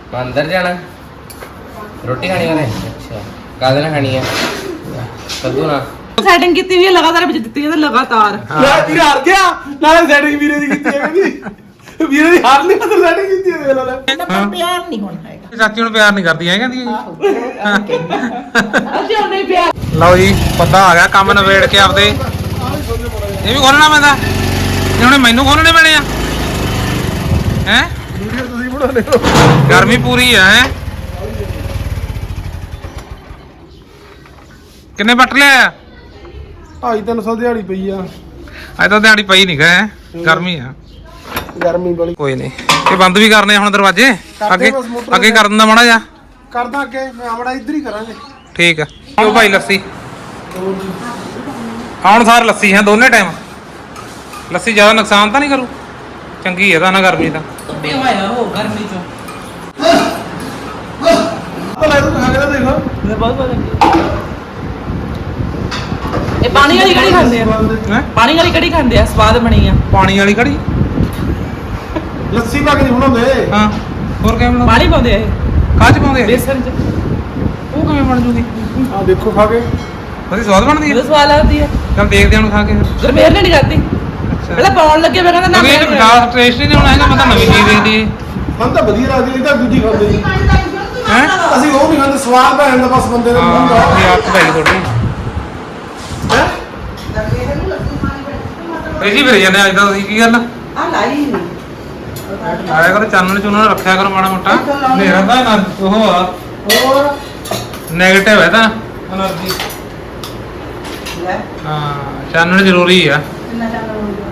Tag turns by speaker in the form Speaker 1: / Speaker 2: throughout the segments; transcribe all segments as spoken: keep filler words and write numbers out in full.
Speaker 1: अंदर जाना रोटी खानी है। अच्छा कादे ना खानी है कद्दू ना
Speaker 2: सेटिंग की हुई है लगातार बज ਦਿੱਤੀ ਹੈ लगातार
Speaker 3: ਯਾਰ ਵੀਰ ਹਾਰ ਗਿਆ ਨਾਲੇ ਸੈਟਿੰਗ ਵੀਰੇ ਦੀ ਕੀਤੀ ਹੈ ਕਹਿੰਦੀ ਵੀਰੇ ਦੀ ਹਾਰ ਨਹੀਂ ਮਤਲਬ ਸੈਟਿੰਗ ਕੀਤੀ ਹੈ ਵੇਲਾ
Speaker 4: ਤਾਂ ਪਿਆਰ ਨਹੀਂ ਹੋਣਾ ਹੈਗਾ
Speaker 5: ਚਾਚੀ ਨੂੰ ਪਿਆਰ ਨਹੀਂ ਕਰਦੀ ਹੈ ਕਹਿੰਦੀ
Speaker 2: ਅਸੀਂ ਉਹ ਨਹੀਂ ਪਿਆ
Speaker 5: ਲਓ ਜੀ ਪਤਾ ਆ ਗਿਆ ਕੰਮ ਨਵੇੜ ਕੇ ਆਪਦੇ ਇਹ ਵੀ ਖੋਲਣਾ ਪੈਂਦਾ ਇਹ ਹੁਣ ਮੈਨੂੰ ਖੋਲਣੇ ਪੈਣੇ ਆ ਹੈ
Speaker 3: ਵੀਡੀਓ ਤੁਸੀਂ ਬਣਾਉਂਦੇ ਹੋ
Speaker 5: ਗਰਮੀ ਪੂਰੀ ਆ ਹੈ ਕਿੰਨੇ ਬੱਟ ਲਿਆ
Speaker 3: ਢਾਈ ਤਿੰਨ ਸੌ ਦਿਹਾੜੀ ਪਈ ਆ
Speaker 5: ਅੱਜ ਤਾਂ ਦਿਹਾੜੀ ਪਈ ਨਹੀਂ ਗਏ ਗਰਮੀ ਆ
Speaker 3: ਗਰਮੀ ਵਾਲੀ
Speaker 5: ਕੋਈ ਨਹੀਂ ਇਹ ਬੰਦ ਵੀ ਕਰਨੇ ਹੁਣ ਦਰਵਾਜ਼ੇ ਅੱਗੇ ਅੱਗੇ ਕਰ ਦਿੰਦਾ ਮਾੜਾ ਜਾ
Speaker 3: ਕਰਦਾ ਅੱਗੇ ਮੈਂ ਆਮੜਾ ਇੱਧਰ ਹੀ ਕਰਾਂਗੇ
Speaker 5: ਠੀਕ ਆ ਉਹ ਭਾਈ ਲੱਸੀ ਆਉਣ ਸਾਰ ਲੱਸੀ ਹੈ ਦੋਨੇ ਟਾਈਮ ਲੱਸੀ ਜ਼ਿਆਦਾ ਨੁਕਸਾਨ ਤਾਂ ਨਹੀਂ ਕਰੂ ਚੰਗੀ ਹੈ ਤਾਂ ਨਾ ਗਰਮੀ ਦਾ
Speaker 2: ਵੀ ਹੋਇਆ ਹੋ ਗਰਮੀ ਚੋਂ
Speaker 3: ਤਾਂ ਲੈ ਤੂੰ ਖਾ ਕੇ ਤਾਂ ਦੇਖੋ
Speaker 2: ਮੈਂ ਬਹੁਤ ਬਹੁਤ ਇਹ ਪਾਣੀ ਵਾਲੀ ਕੜੀ ਖਾਂਦੇ ਆ
Speaker 5: ਹੈ
Speaker 2: ਪਾਣੀ ਵਾਲੀ ਕੜੀ ਖਾਂਦੇ ਆ ਸਵਾਦ ਬਣੀ ਆ
Speaker 5: ਪਾਣੀ ਵਾਲੀ ਕੜੀ
Speaker 3: ਲੱਸੀ ਪਾ ਕੇ ਨਹੀਂ ਬਣਾਉਂਦੇ
Speaker 5: ਹਾਂ ਹੋਰ ਕਿਵੇਂ ਬਣਾਉਂਦੇ
Speaker 2: ਪਾਣੀ ਪਾਉਂਦੇ ਆ ਇਹ
Speaker 5: ਕਾਹ ਚ ਪਾਉਂਦੇ ਆ
Speaker 2: ਬੇਸਨ ਚ
Speaker 5: ਉਹ ਕਿਵੇਂ ਬਣ ਜੂਗੀ
Speaker 3: ਆ ਦੇਖੋ ਖਾ ਕੇ
Speaker 5: ਬੜੀ ਸਵਾਦ ਬਣਦੀ
Speaker 2: ਬਹੁਤ
Speaker 5: ਹੈ
Speaker 2: ਸਵਾਦ ਲੱਗਦੀ ਆ
Speaker 5: ਚਲ ਦੇਖਦੇ ਹਾਂ ਹੁਣ ਖਾ ਕੇ
Speaker 2: ਗਰਮੇਰ ਨੇ ਨਹੀਂ ਕਰਦੀ
Speaker 5: ਅੱਛਾ
Speaker 2: ਪਹਿਲਾਂ ਪਾਉਣ ਲੱਗੇ ਮੈਂ ਕਹਿੰਦਾ ਨਾ
Speaker 5: ਕਿਉਂਕਿ ਇਹ ਗਾਸ ਟੇਸਟ ਹੀ ਨਹੀਂ ਹੋਣਾ ਹੈਗਾ ਮੈਂ ਤਾਂ ਨਵੀਂ ਚੀਜ਼ ਦੇਖਦੀ
Speaker 3: ਮਨ ਤਾਂ ਵਧੀਆ ਲੱਗਦੀ ਇਹ ਤਾਂ ਦੂਜੀ ਖਾਂਦੇ ਜੀ
Speaker 5: ਹੈ
Speaker 3: ਅਸੀਂ ਉਹ ਨਹੀਂ ਖਾਂਦੇ ਸਵਾਦ ਤਾਂ ਹੁੰਦਾ ਬਸ ਬੰਦੇ ਦਾ ਮੂੰਹ ਦਾ
Speaker 5: ਹਾਂ ਇਹ ਆਪ ਭਾਈ ਥੋੜੀ
Speaker 3: ਹੈ
Speaker 5: ਇਹ ਜੀ ਫਿਰ ਜਾਂਦੇ ਅੱਜ ਦਾ ਤੁਸੀਂ ਕੀ ਗੱਲ
Speaker 4: ਆ ਲਾਈ
Speaker 5: ਆਇਆ ਕਰੋ ਚਾਨਣ ਚੁਨਣ ਰੱਖਿਆ ਕਰੋ ਮਾੜਾ ਮੋਟਾ ਹਨੇਰਾ ਦਾ ਨਾ ਉਹ ਆ
Speaker 4: ਹੋਰ
Speaker 5: ਨੈਗੇਟਿਵ ਹੈ ਤਾਂ એનર્ਜੀ
Speaker 4: ਲੈ
Speaker 5: ਹਾਂ ਚਾਨਣ ਜ਼ਰੂਰੀ ਆ
Speaker 4: ਕਿੰਨਾ ਟਾਈਮ ਹੋ ਗਿਆ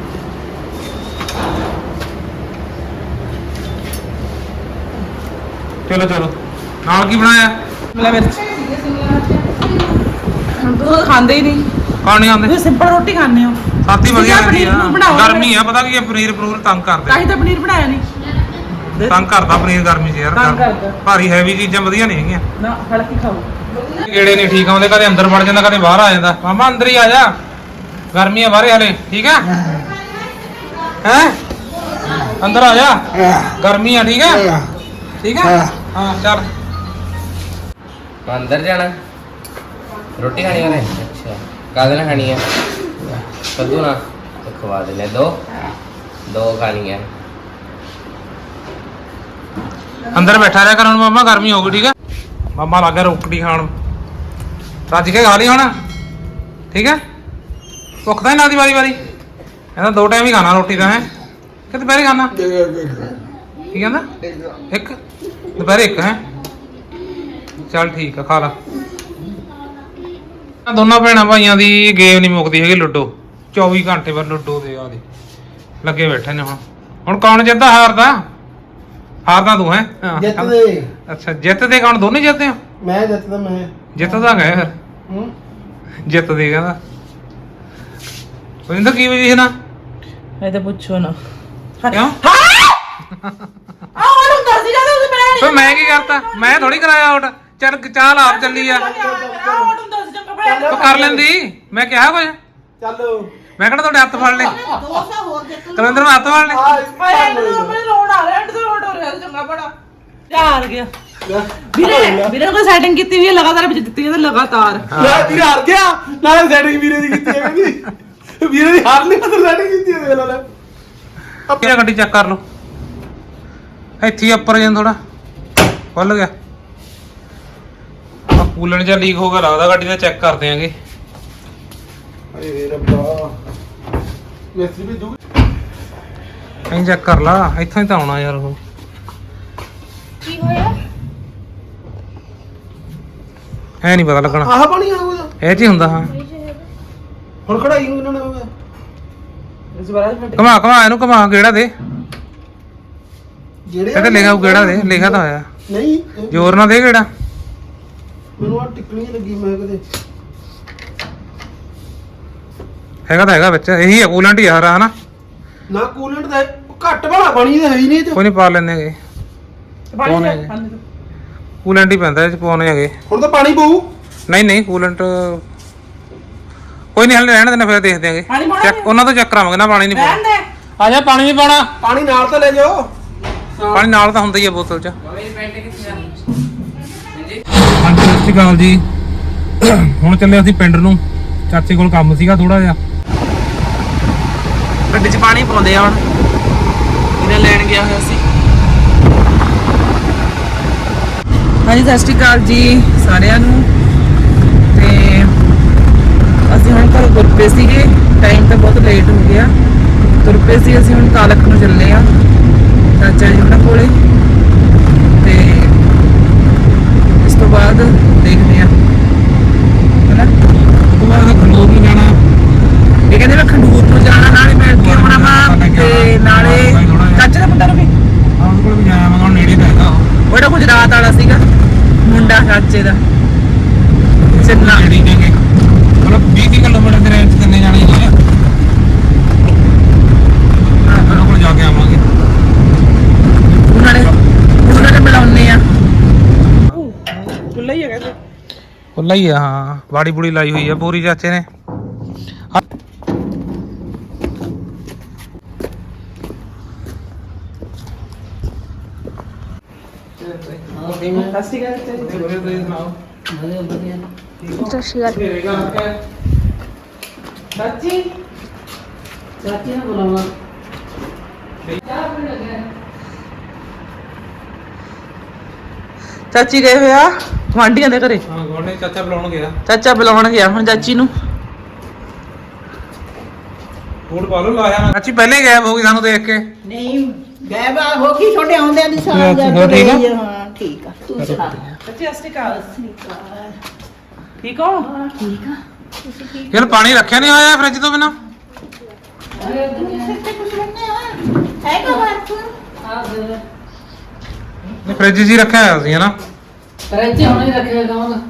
Speaker 5: ਚਲੋ ਚਲੋ ਨਾਲ ਕੀ ਬਣਾਇਆ
Speaker 2: ਮਿਲਾ ਮਿਰਚ ਤੂੰ ਖਾਂਦੇ ਹੀ ਨਹੀਂ
Speaker 5: ਖਾਣੇ ਆਉਂਦੇ
Speaker 2: ਤੁਸੀਂ ਸਿੰਪਲ ਰੋਟੀ ਖਾਂਦੇ ਹੋ
Speaker 5: ਸਾਥੀ ਵਧੀਆ
Speaker 2: ਤੁਸੀਂ
Speaker 5: ਰਹਿੰਦੀ
Speaker 2: ਪਨੀਰ
Speaker 5: ਆ
Speaker 2: ਬਣਾਓ
Speaker 5: ਗਰਮੀ ਆ ਪਤਾ ਕੀ ਆ ਪਨੀਰ ਪਨੂਰ ਤੰਗ
Speaker 2: ਤਾਂ
Speaker 5: ਕਰਦੇ
Speaker 2: ਹੀ ਤਾਂ ਪਨੀਰ ਬਣਾਇਆ ਨਹੀਂ
Speaker 5: ਤੰਗ ਕਰਦਾ ਪਨੀਰ ਗਰਮੀ 'ਚ ਯਾਰ
Speaker 2: ਤੰਗ ਕਰਦਾ।
Speaker 5: ਭਾਰੀ ਹੈਵੀ ਚੀਜ਼ਾਂ ਵਧੀਆ ਨਹੀਂ ਹੈਗੀਆਂ
Speaker 2: ਨਾ ਹਲਕੀ ਖਾਓ
Speaker 5: ਗੇੜੇ ਨਹੀਂ ਠੀਕ ਆਉਂਦੇ ਕਦੇ ਅੰਦਰ ਵੜ ਜਾਂਦਾ ਕਦੇ ਬਾਹਰ ਆ ਜਾਂਦਾ ਮਾਮਾ ਅੰਦਰ ਹੀ ਆ ਜਾ ਗਰਮੀ ਆ ਬਾਹਰੇ ਹਲੇ ਠੀਕ ਆ ਹੈ ਅੰਦਰ ਆ ਜਾ ਗਰਮੀ ਆ ਠੀਕ ਆ ਠੀਕ ਆ ਹਾਂ ਚੱਲ
Speaker 1: अंदर जाना रोटी खानी है। अच्छा कादे ना खानी है कद्दू ना तो खवा देने दो दो खानी है।
Speaker 5: ਅੰਦਰ ਬੈਠਾ ਰਿਹਾ ਕਰਨ ਮਾਮਾ ਗਰਮੀ ਹੋ ਗਈ ਠੀਕ ਆ ਮਾਮਾ ਲੱਗ ਗਿਆ ਰੋਟੀ ਖਾਣ ਰੱਜ ਕੇ ਖਾ ਲਈ ਹੁਣ ਠੀਕ ਹੈ ਭੁੱਖ ਤਾਂ ਨਾ ਦੀ ਵਾਰੀ ਵਾਰੀ ਕਹਿੰਦਾ ਦੋ ਟਾਈਮ ਹੀ ਖਾਣਾ ਰੋਟੀ ਤਾਂ ਹੈ ਕਿ ਦੁਪਹਿਰੇ ਖਾਣਾ ਕੀ ਕਹਿੰਦਾ ਇੱਕ ਦੁਪਹਿਰੇ ਇੱਕ ਹੈ ਚੱਲ ਠੀਕ ਆ ਖਾ ਲਾ ਦੋਨਾਂ ਭੈਣਾਂ ਭਾਈਆਂ ਦੀ ਗੇਮ ਨਹੀਂ ਮੁੱਕਦੀ ਹੈਗੀ ਲੁੱਡੋ ਚੌਵੀ ਘੰਟੇ ਬਾਅਦ ਲੁੱਡੋ ਦੇ ਆ ਦੇ ਲੱਗੇ ਬੈਠੇ ਨੇ ਹੁਣ ਹੁਣ ਕੌਣ ਜਿੱਤਦਾ ਹਾਰਦਾ ਹਾਰਦਾ ਤੂੰ ਹੈ
Speaker 3: ਜਿੱਤਦੇ
Speaker 5: ਅੱਛਾ ਜਿੱਤਦੇ ਕੌਣ ਦੋਨੇ ਜਿੱਤਦੇ ਹੋ
Speaker 3: ਮੈਂ ਜਿੱਤਦਾ ਮੈਂ
Speaker 5: ਜਿੱਤਦਾ ਗਏ ਫਿਰ
Speaker 3: ਹੂੰ
Speaker 5: ਜਿੱਤਦੇ ਕਹਿੰਦਾ ਵਰਿੰਦਰ ਕੀ ਵਜੀ ਨਾ
Speaker 2: ਇਹ ਤਾਂ ਪੁੱਛੋ ਨਾ
Speaker 5: ਕਿਉਂ
Speaker 2: ਆ ਹੁਣ ਹੁੰਦਾ ਸੀ ਜਦੋਂ ਤੁਸੀਂ ਬਣਾਇਆ
Speaker 5: ਫੇ ਮੈਂ ਕੀ ਕਰਤਾ ਮੈਂ ਥੋੜੀ ਕਰਾਇਆ ਆਊਟ ਚੱਲ ਚਾਲ ਆਪ ਚੱਲੀ ਆ
Speaker 2: ਆ ਹੁਣ ਹੁੰਦਾ ਸੀ ਚੰਗਾ ਬਣਾਇਆ
Speaker 5: ਤੂੰ ਕਰ ਲੈਂਦੀ ਮੈਂ ਕਿਹਾ ਕੁਝ
Speaker 3: ਚੱਲ
Speaker 5: ਮੈਂ ਕਿਹੜਾ ਤੁਹਾਡੇ ਹੱਥ ਫੜ ਲਏ
Speaker 4: ਦੋ ਸੌ ਹੋਰ ਜਿੱਤ
Speaker 5: ਕਲੰਦਰ ਨੂੰ ਹੱਥ ਫੜ ਲਏ
Speaker 3: ਆ
Speaker 2: ਓਏ ਇਹਨੂੰ ਆਪਣੇ ਲੋੜ ਆ ਰਿਹਾ ਤੇ ਲੋੜ ਹੋ ਰਿਹਾ ਚੰਗਾ ਬੜਾ ਯਾਰ ਗਿਆ ਵੀਰੇ ਵੀਰੇ ਕੋਈ ਸੈਟਿੰਗ ਕੀਤੀ ਹੋਈ ਹੈ ਲਗਾਤਾਰ ਬਜ ਦਿੱਤੀ ਹੈ ਲਗਾਤਾਰ
Speaker 3: ਯਾਰ ਵੀਰ ਹਾਰ ਗਿਆ ਨਾਲੇ ਸੈਟਿੰਗ ਵੀਰੇ ਦੀ ਕੀਤੀ ਹੈ ਕਹਿੰਦੀ ਵੀਰੇ ਦੀ ਹਾਰ ਨਹੀਂ ਮਤਲਬ ਸੈਟਿੰਗ ਕੀਤੀ ਹੈ ਵੇਲਾ ਲੈ
Speaker 5: ਆਪਣੀ ਗੱਡੀ ਚੈੱਕ ਕਰ ਲਓ ਇੱਥੇ ਉੱਪਰ ਜਾਂ ਥੋੜਾ ਖੁੱਲ ਗਿਆ ਆ ਕੂਲਣ ਜਾਂ ਲੀਕ ਹੋ ਗਿਆ ਲੱਗਦਾ ਗੱਡੀ ਦਾ ਚੈੱਕ ਕਰਦੇ ਆਂਗੇ
Speaker 3: ਏ ਰੱਬਾ ਮਿਸਤਰੀ ਵੀ ਜੂ
Speaker 5: ਐਂ ਚੈੱਕ ਕਰ ਲਾ ਇੱਥੋਂ ਹੀ ਤਾਂ ਆਉਣਾ ਯਾਰ ਉਹ
Speaker 4: ਕੀ ਹੋਇਆ
Speaker 5: ਐ ਨਹੀਂ ਪਤਾ ਲੱਗਣਾ
Speaker 3: ਆਹ ਪਾਣੀ ਆ ਉਹਦਾ
Speaker 5: ਇਹ ਚ ਹੀ ਹੁੰਦਾ ਹਾਂ
Speaker 3: ਹੁਣ ਕਢਾਈ ਨੂੰ ਇਹਨਾਂ ਨੇ ਹੋਇਆ
Speaker 2: ਇਸ ਵਾਰ ਅੱਜ
Speaker 5: ਘਮਾ ਘਮਾ ਇਹਨੂੰ ਘਮਾ ਗੇੜਾ ਦੇ
Speaker 3: ਜਿਹੜੇ
Speaker 5: ਇਹ ਤੇ ਲਿਖਿਆ ਉਹ ਗੇੜਾ ਦੇ ਲਿਖਿਆ ਤਾਂ ਹੋਇਆ
Speaker 3: ਨਹੀਂ
Speaker 5: ਜ਼ੋਰ ਨਾਲ ਦੇ ਗੇੜਾ
Speaker 3: ਮੈਨੂੰ ਆ ਟਿਕਣੀ ਲੱਗੀ ਮੈਂ ਕਦੇ
Speaker 5: ਹੈਗਾ ਤਾਂ ਹੈਗਾ ਵਿੱਚ ਇਹੀ ਹੈ ਕੂਲੈਂਟ ਹੀ ਹਰਾ ਹਨਾ
Speaker 3: ਨਾ ਕੂਲੈਂਟ ਦਾ ਘੱਟ ਵਾਲਾ ਪਾਣੀ ਤਾਂ ਹੈ ਹੀ ਨਹੀਂ ਇਹ ਚ
Speaker 5: ਕੋਈ ਨਹੀਂ ਪਾ ਲੈਣੇ ਹੈਗੇ
Speaker 2: ਪਾਣੀ
Speaker 5: ਕੂਲੈਂਟ ਹੀ ਪੈਂਦਾ ਇਹ ਚ ਪਾਉਣੇ ਹੈਗੇ
Speaker 3: ਹੁਣ ਤਾਂ ਪਾਣੀ ਪਊ
Speaker 5: ਨਹੀਂ ਨਹੀਂ ਕੂਲੈਂਟ ਕੋਈ ਨਹੀਂ ਹਲੇ ਰਹਿਣ ਦੇਣਾ ਫਿਰ ਦੇਖਦੇ ਆਂਗੇ
Speaker 2: ਪਾਣੀ ਪਾਉਣਾ
Speaker 5: ਚੈੱਕ ਉਹਨਾਂ ਤੋਂ ਚੈੱਕ ਕਰਾਵਾਂਗੇ ਨਾ ਪਾਣੀ ਨਹੀਂ
Speaker 2: ਰਹਿਣ
Speaker 5: ਪਾਉਣਾ
Speaker 2: ਦੇ
Speaker 5: ਆ ਜਾ ਪਾਣੀ ਨਹੀਂ ਪਾਉਣਾ
Speaker 3: ਪਾਣੀ ਨਾਲ ਤਾਂ ਲੈ ਜਾਓ
Speaker 5: ਪਾਣੀ ਨਾਲ ਤਾਂ ਹੁੰਦਾ ਹੀ ਆ ਬੋਤਲ 'ਚ।
Speaker 1: ਮੇਰੀ ਪੈਂਟ ਕਿੱਥੇ ਆ ਹਾਂਜੀ
Speaker 5: ਹਾਂਜੀ ਸਤਿ ਸ਼੍ਰੀ ਅਕਾਲ ਜੀ। ਹੁਣ ਚੱਲੇ ਅਸੀਂ ਪਿੰਡ ਨੂੰ, ਚਾਚੇ ਕੋਲ ਕੰਮ ਸੀਗਾ ਥੋੜਾ ਜਿਹਾ।
Speaker 2: ਗੱਡੀ 'ਚ ਪਾਣੀ ਪਾਉਂਦੇ ਆ ਹੁਣ, ਇਹਨਾਂ ਲੈਣ ਗਿਆ ਹੋਇਆ ਸੀ। ਹਾਂਜੀ ਸਤਿ ਸ਼੍ਰੀ ਅਕਾਲ ਜੀ ਸਾਰਿਆਂ ਨੂੰ। ਤੇ ਅਸੀਂ ਹੁਣ ਘਰੋਂ ਤੁਰ ਪਏ ਸੀਗੇ, ਟਾਈਮ ਤਾਂ ਬਹੁਤ ਲੇਟ ਹੋ ਗਿਆ। ਤੁਰ ਪਏ ਸੀ ਅਸੀਂ, ਹੁਣ ਕਾਲਖ ਨੂੰ ਚੱਲੇ ਆ ਚਾਚਾ ਜੀ ਉਹਨਾਂ ਕੋਲੇ। ਤੇ ਇਸ ਤੋਂ ਬਾਅਦ ਦੇਖਦੇ ਆ ਹਨਾ,
Speaker 5: ਉਸ ਤੋਂ ਬਾਅਦ ਖੰਡੂਰ ਨੂੰ ਜਾਣਾ।
Speaker 2: ਇਹ ਕਹਿੰਦੇ ਮੈਂ ਖੰਡੂਰ ਨੂੰ ਜਾਣਾ, ਨਾਲੇ ਮੈਂ ਅੱਗੇ ਆਉਣਾ ਵਾ ਤੇ ਨਾਲੇ ਚਾਚੇ ਦਾ ਮੁੰਡਾ ਨੂੰ ਵੀ
Speaker 5: ਆਹ ਉਹਦੇ ਕੋਲ ਵੀ ਜਾਇਆ ਮੈਂ, ਹੁਣ ਨੇੜੇ ਪੈਂਦਾ ਉਹ।
Speaker 2: ਉਹਦਾ ਗੁਜਰਾਤ ਵਾਲਾ ਸੀਗਾ ਮੁੰਡਾ ਚਾਚੇ ਦਾ, ਚੱਲਣਾ
Speaker 5: ਨੇੜੇ ਜਾਗੇ ਮਤਲਬ ਵੀਹ ਤੀਹ ਕਿਲੋਮੀਟਰ ਦੇ ਰੇਂਜ 'ਚ ਕਿੰਨੇ ਜਾਣੇ ਹੀ ਆ। ਉਹਨਾਂ ਕੋਲ ਜਾ ਕੇ ਆਵਾਂਗੇ।
Speaker 2: ਉਹਨਾਂ ਨੇ ਉਹਨਾਂ ਨੇ ਬੁਲਾਉਣੇ ਆ। ਖੁੱਲਾ ਹੀ ਹੈਗਾ
Speaker 5: ਖੁੱਲਾ ਹੀ ਆ, ਹਾਂ। ਬਾੜੀ ਬੁੜੀ ਲਾਈ ਹੋਈ ਆ ਪੂਰੀ ਚਾਚੇ ਨੇ।
Speaker 2: ਸਸਤੀ ਗੱਲ ਚਾਚੀ ਚਾਚੀ ਨੇ ਬੁਲਾਉਣਾ। ਚਾਚੀ ਗਏ ਹੋਇਆ ਗੁਆਂਢੀਆਂ ਦੇ ਘਰੇ।
Speaker 5: ਹਾਂ ਗੋਡੇ ਚਾਚਾ ਬੁਲਾਉਣ ਗਿਆ।
Speaker 2: ਚਾਚਾ ਬੁਲਾਉਣ ਗਿਆ ਹੁਣ ਚਾਚੀ ਨੂੰ।
Speaker 5: ਫੂਡ ਪਾ ਲਓ ਲਾਇਆ ਮੈਂ। ਚਾਚੀ ਪਹਿਲੇ ਗਾਇਬ ਹੋ ਗਈ ਸਾਨੂੰ ਦੇਖ ਕੇ।
Speaker 4: ਨਹੀਂ ਗਾਇਬ ਆ ਹੋ ਗਈ ਤੁਹਾਡੇ ਆਉਂਦਿਆਂ ਦੀ ਸਾਲ
Speaker 5: ਹੋਰ
Speaker 4: ਜਾ
Speaker 5: ਠੀਕ ਆ?
Speaker 4: ਕੇ ਹਾਂ ਠੀਕ ਆ ਤੂੰ ਸੁਣਾ
Speaker 2: ਚਾਚੀ ਸਤਿ ਸ਼੍ਰੀ ਅਕਾਲ। ਠੀਕ ਹੋ?
Speaker 4: ਠੀਕ ਆ ਤੁਸੀਂ ਠੀਕ
Speaker 5: ਯਾਰ ਪਾਣੀ ਰੱਖਿਆ ਨਹੀਂ ਹੋਇਆ ਫ੍ਰਿਜ ਤੋਂ ਬਿਨਾ।
Speaker 4: ਸਿੱਤੇ ਕੁਛ ਲੈਣੇ ਆ ਹੈਗਾ ਬਾਤ
Speaker 5: ਨਹੀਂ ਫ੍ਰਿਜ 'ਚ ਹੀ ਰੱਖਿਆ ਹੋਇਆ ਸੀ ਹਨਾ।
Speaker 6: ਫਰਿੱਜ ਹੁਣੇ ਹੀ ਰੱਖਿਆ ਕਹਾਂ
Speaker 5: ਹੂੰ।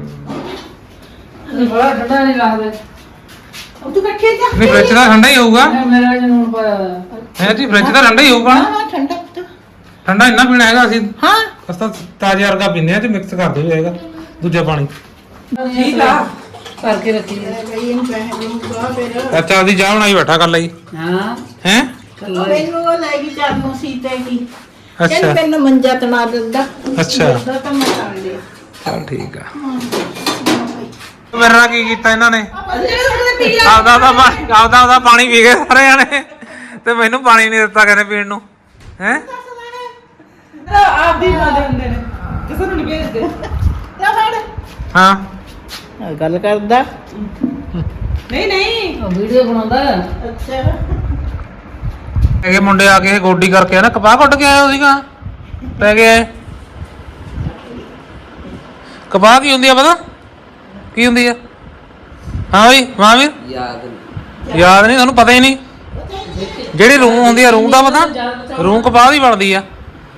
Speaker 6: ਇਹ ਬੜਾ ਠੰਡਾ ਨਹੀਂ ਲੱਗਦਾ।
Speaker 4: ਉਹ ਤੂੰ ਕੱਠੇ ਜਾ
Speaker 5: ਨਹੀਂ ਫ੍ਰਿਜ ਦਾ ਠੰਡਾ ਹੀ ਹੋਊਗਾ।
Speaker 6: ਮੈਂ ਮੇਰਾ ਜਨ ਨੂਣ ਪਾਇਆ ਹੋਇਆ।
Speaker 5: ਹੈ ਜੀ ਫ੍ਰਿਜ ਦਾ ਠੰਡਾ ਹੀ ਹੋਊਗਾ।
Speaker 4: ਹਾਂ ਹਾਂ ਠੰਡਾ ਪੁੱਤ
Speaker 5: ਠੰਡਾ ਇੰਨਾ ਪੀਣਾ ਹੈਗਾ ਅਸੀਂ
Speaker 4: ਹਾਂ
Speaker 5: ਅਸਤਾ ਤਾਜ਼ੇ ਵਰਗਾ ਪੀਂਦੇ ਆ ਤੇ ਮਿਕਸ ਕਰ ਦਿਓ ਜਾਏਗਾ ਦੂਜਾ ਪਾਣੀ।
Speaker 2: ਠੀਕ ਆ।
Speaker 6: ਕਰਕੇ ਰੱਖੀ ਹੈ।
Speaker 4: ਬਈ ਇਹਨੂੰ ਪੈਸੇ ਦੂੰਗਾ ਫਿਰ
Speaker 5: ਚਾਚਾ ਦੀ ਚਾਹ ਬਣਾਈ ਬੈਠਾ ਕਰ ਲਈ
Speaker 6: ਹਾਂ
Speaker 5: ਹੈ।
Speaker 6: ਕੱਲਾ ਹੀ।
Speaker 4: ਮੈਨੂੰ ਉਹ ਲੈ ਗਈ ਚਾਰ ਨੂੰ ਸੀਤੇ ਕੀ ਕਹਿੰਦੀ
Speaker 5: ਅੱਛਾ
Speaker 4: ਮੈਨੂੰ ਮੰਜਾ ਤਣਾ ਦਿੰਦਾ
Speaker 5: ਅੱਛਾ।
Speaker 4: ਦਿੰਦਾ ਤਾਂ ਮੈਂ ਕਰ ਲਿਆ
Speaker 5: ਚਲ ਠੀਕ ਆ। ਮੇਰੇ ਨਾਲ ਕੀ ਕੀਤਾ ਇਹਨਾਂ ਨੇ?
Speaker 4: ਅਸੀਂ ਜਿਹੜੇ ਤੁਹਾਡੇ ਪੀ ਲਿਆ
Speaker 5: ਆਪਦਾ ਆਪਦਾ ਪਾਣੀ ਆਪਦਾ ਆਪਦਾ ਪਾਣੀ ਪੀ ਗਏ ਸਾਰੇ ਜਾਣੇ ਤੇ ਮੈਨੂੰ ਪਾਣੀ ਨਹੀਂ ਦਿੱਤਾ ਕਹਿੰਦੇ ਪੀਣ ਨੂੰ। ਹੈ
Speaker 2: ਆਪ ਦੀ ਮਾਂ ਦੇ ਹੁੰਦੇ ਨੇ, ਕਿਸੇ ਨੂੰ ਨਹੀਂ ਭੇਜਦੇ।
Speaker 4: ਲੈ ਫੜ
Speaker 5: ਹਾਂ
Speaker 4: ਗੱਲ ਕਰਦਾ
Speaker 2: ਨਹੀਂ ਨਹੀਂ
Speaker 6: ਉਹ ਵੀਡੀਓ ਬਣਾਉਂਦਾ ਹੈ।
Speaker 4: ਅੱਛਾ
Speaker 5: ਇਹ ਮੁੰਡੇ ਆ ਕੇ ਗੋਡੀ ਕਰਕੇ ਨਾ ਕਪਾਹ ਕੱਢ ਕੇ ਆਏ ਹੋ ਸੀਗਾ ਪੈ ਗਏ। ਕਪਾਹ ਕੀ ਹੁੰਦੀ ਆ ਪਤਾ ਕੀ ਹੁੰਦੀ ਆ? ਹਾਂ ਬਈ ਮਹਾਂਵੀਰ
Speaker 1: ਯਾਦ ਨਹੀਂ
Speaker 5: ਯਾਦ ਨਹੀਂ ਤੁਹਾਨੂੰ ਪਤਾ ਹੀ ਨਹੀਂ। ਜਿਹੜੀ ਰੂੰ ਹੁੰਦੀ ਆ ਰੂੰ ਦਾ ਪਤਾ? ਰੂੰ ਕਪਾਹ ਦੀ ਬਣਦੀ ਆ।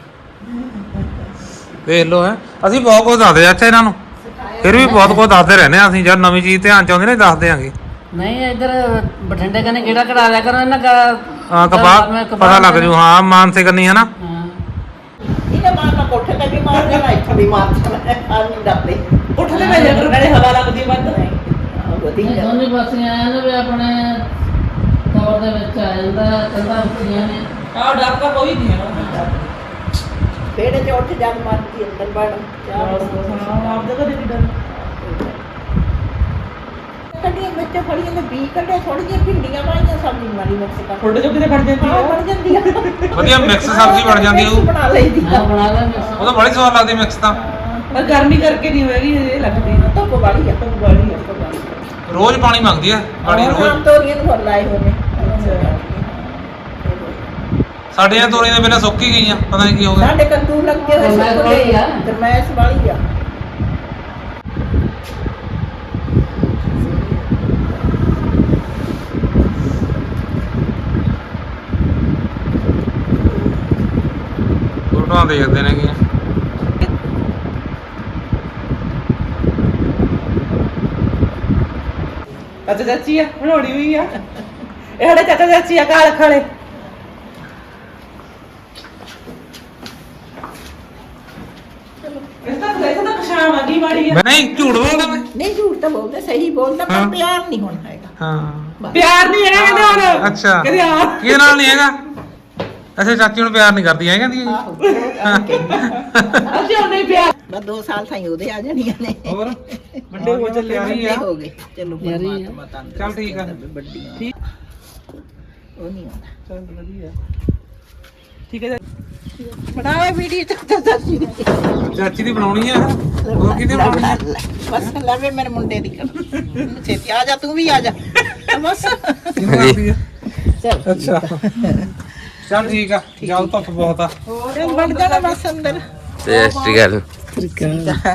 Speaker 5: ਵੇਖ ਲਓ ਹੈ ਅਸੀਂ ਬਹੁਤ ਕੁਝ ਦੱਸਦੇ ਆ ਅੱਛਾ ਇਹਨਾਂ ਨੂੰ, ਫਿਰ ਵੀ ਬਹੁਤ ਕੁਝ ਦੱਸਦੇ ਰਹਿੰਦੇ ਆ ਅਸੀਂ। ਜਦ ਨਵੀਂ ਚੀਜ਼ ਧਿਆਨ ਚ ਆਉਂਦੀ ਨਾ ਦੱਸਦੇ ਆਂਗੇ।
Speaker 6: ਨਹੀਂ ਇੱਧਰ ਬਠਿੰਡੇ ਕਨੇ ਕਿਹੜਾ ਕਢਾ ਲਿਆ ਕਰੋ ਇਹਨਾਂ ਦਾ।
Speaker 5: ਹਾਂ ਕਪਾਹ ਪਤਾ ਲੱਗ ਜੂ। ਹਾਂ ਮਾਨਸੇ ਕਰਨੀ ਹੈ ਨਾ।
Speaker 6: ਹਾਂ
Speaker 4: ਇਹਨੇ ਮਾਰਨਾ ਕੋਠੇ ਤੇ ਵੀ ਮਾਰ ਦੇਣਾ ਇੱਥੇ ਵੀ ਮਾਰ ਦੇਣਾ ਆ ਨਹੀਂ ਡਰਦੇ
Speaker 2: ਉੱਠ ਕੇ ਭੇਜਿਆ ਕਰੋ, ਨਾਲੇ ਹਵਾ ਲੱਗਦੀ ਵੱਧ।
Speaker 6: ਇਹ
Speaker 4: ਵਧੀਆ
Speaker 6: ਦੋਨੇ ਪਾਸੇ ਆਇਆ ਨਾ ਵੀ ਆਪਣੇ ਤੌਰ ਦੇ ਵਿੱਚ ਆ ਜਾਂਦਾ ਕੰਧਾਂ ਉੱਚੀਆਂ ਨੇ।
Speaker 2: ਆਹ ਡਰ ਤਾਂ ਕੋਈ ਨਹੀਂ ਹੈ।
Speaker 4: ਪੇੜੇ ਚ ਉੱਠ ਜਦ ਮਾਰਦੀ ਅੰਦਰ ਵੜ ਚਾਹ
Speaker 2: ਆਪ ਦੇ ਘਰੇ ਵੀ ਡਰ।
Speaker 4: ਕੱਢੀਆਂ ਵਿੱਚ ਫੜੀਆਂ ਨੇ ਬੀ ਕੱਢੇ ਥੋੜੀ ਜਿਹੀ ਭਿੰਡੀਆਂ ਪਾਈਆਂ ਸਬਜ਼ੀ ਮਾਰੀ ਮਿਕਸ ਕਰ
Speaker 2: ਥੋੜੇ ਜੋ ਕਿਤੇ ਫੜ ਜਾਂਦੀ
Speaker 4: ਹਾਂ
Speaker 2: ਆ।
Speaker 4: ਬਣ ਜਾਂਦੀ ਆ
Speaker 5: ਵਧੀਆ ਮਿਕਸ ਸਬਜ਼ੀ ਬਣ ਜਾਂਦੀ ਉਹ।
Speaker 4: ਬਣਾ ਲਈਦੀ
Speaker 6: ਹਾਂ ਬਣਾ ਲੈ ਮਿਕਸ।
Speaker 5: ਉਹ ਤਾਂ ਬੜੀ ਸਵਾਦ ਲੱਗਦੀ ਮਿਕਸ ਤਾਂ।
Speaker 2: ਪਰ ਗਰਮੀ ਕਰਕੇ ਨਹੀਂ ਹੋਏਗੀ, ਇਹ ਲੱਗਦੀ ਨਾ।
Speaker 4: ਧੁੱਪ ਵਾਲੀ ਆ
Speaker 2: ਧੁੱਪ ਵਾਲੀ ਆ।
Speaker 5: ਰੋਜ਼ ਪਾਣੀ ਮੰਗਦੀ ਆ ਗਾੜੀ
Speaker 4: ਆਮ
Speaker 5: ਰੋਜ਼।
Speaker 4: ਤੋਰੀਆਂ ਨੂੰ ਫੁੱਲ ਲਾਏ ਹੋਏ ਨੇ
Speaker 5: ਸਾਡੀਆਂ ਤੋਰੀਆਂ ਦੇ ਬਿਨਾਂ ਸੁੱਕ ਹੀ ਗਈਆਂ, ਪਤਾ ਨਹੀਂ ਕੀ ਹੋ ਗਿਆ।
Speaker 4: ਸਾਡੇ ਕੱਦੂ ਲੱਗੇ ਹੋਏ
Speaker 6: ਗਰਮੈਸ਼
Speaker 4: ਸੁੱਕ
Speaker 6: ਵਾਲੀ ਆ।
Speaker 4: ਗਏ ਗਰਮੈਸ਼ ਵਾਲੀ ਆ
Speaker 5: ਫੋਟੋਆਂ ਦੇਖਦੇ ਨੇ ਕੀ।
Speaker 2: ਚਾਚਾ ਚਾਚੀ ਆ, ਬਣਾਉਣੀ ਹੋਈ ਆ। ਇਹ ਸਾਡੇ ਚਾਚਾ ਚਾਚੀ ਆ ਕਾਲ ਖਾਲੇ। ਇਸ ਤਾਂ ਇਸ ਤਾਂ ਸ਼ਾਮ ਆ ਗਈ ਮਾੜੀ ਆ।
Speaker 5: ਮੈਂ ਨਹੀਂ ਝੂਠ ਬੋਲਦਾ ਮੈਂ।
Speaker 4: ਨਹੀਂ ਝੂਠ ਤਾਂ ਬੋਲਦੇ ਸਹੀ ਬੋਲਦਾ
Speaker 5: ਹਾਂ।
Speaker 4: ਪਰ ਪਿਆਰ ਨਹੀਂ ਹੋਣਾ ਹੈਗਾ
Speaker 5: ਹਾਂ
Speaker 2: ਪਿਆਰ ਨਹੀਂ ਹੈਗਾ ਕਹਿੰਦੇ ਹੁਣ।
Speaker 5: ਅੱਛਾ
Speaker 2: ਕਹਿੰਦੇ ਆ
Speaker 5: ਕਿਹਦੇ ਨਾਲ ਨਹੀਂ ਹੈਗਾ? ਅੱਛਾ ਚਾਚੀ ਹੁਣ ਪਿਆਰ ਨਹੀਂ ਕਰਦੀ ਹੈ ਕਹਿੰਦੀ ਹੈ
Speaker 4: ਆਹੋ
Speaker 2: ਅਸੀਂ ਉਹਨੇ ਪਿਆਰ
Speaker 4: ਬਸ ਦੋ ਸਾਲ ਤਾਈਂ ਉਹਦੇ ਆ ਜਾਣੀਆਂ ਨੇ
Speaker 5: ਹੋਰ
Speaker 2: ਵੱਡੇ ਹੋ ਚੱਲੇ
Speaker 5: ਪਿਆਰੀ
Speaker 4: ਵੱਡੇ
Speaker 5: ਆ
Speaker 4: ਹੋ ਗਏ ਚਲੋ ਪਰਮਾਤਮਾ ਤੰਦਰੁਸਤ
Speaker 5: ਚੱਲ ਠੀਕ ਆ।
Speaker 4: ਰੱਖੇ ਵੱਡੀਆਂ
Speaker 2: ਠੀਕ।
Speaker 4: ਉਹ ਨਹੀਂ ਆਉਂਦਾ
Speaker 2: ਚੱਲ ਵਧੀਆ ਠੀਕ ਹੈ
Speaker 4: ਬਣਾਵੇ ਵੀਡੀਓ ਤੇ ਤਾਂ ਦੱਸੀ
Speaker 5: ਚਾਚੀ ਦੀ ਬਣਾਉਣੀ ਆ ਉਹ ਕਿਹਦੀ ਬਣਾਉਣੀ ਆ
Speaker 4: ਬਸ ਲਵੇ ਮੇਰੇ ਮੁੰਡੇ ਦੀ ਛੇਤੀ ਆ ਜਾ ਤੂੰ ਵੀ ਆ ਜਾ ਬਸ
Speaker 5: ਕਿਹਨੂੰ ਕਰਦੀ ਆ
Speaker 4: ਚੱਲ
Speaker 5: ਅੱਛਾ ਚੱਲ ਠੀਕ ਆ ਜਾਓ ਧੁੱਪ ਬਹੁਤ ਆ
Speaker 4: ਚੱਲ ਵੜ ਜਾਣਾ ਬਸ ਅੰਦਰ
Speaker 1: ਤੇ ਐਸਟੀ ਗੱਲ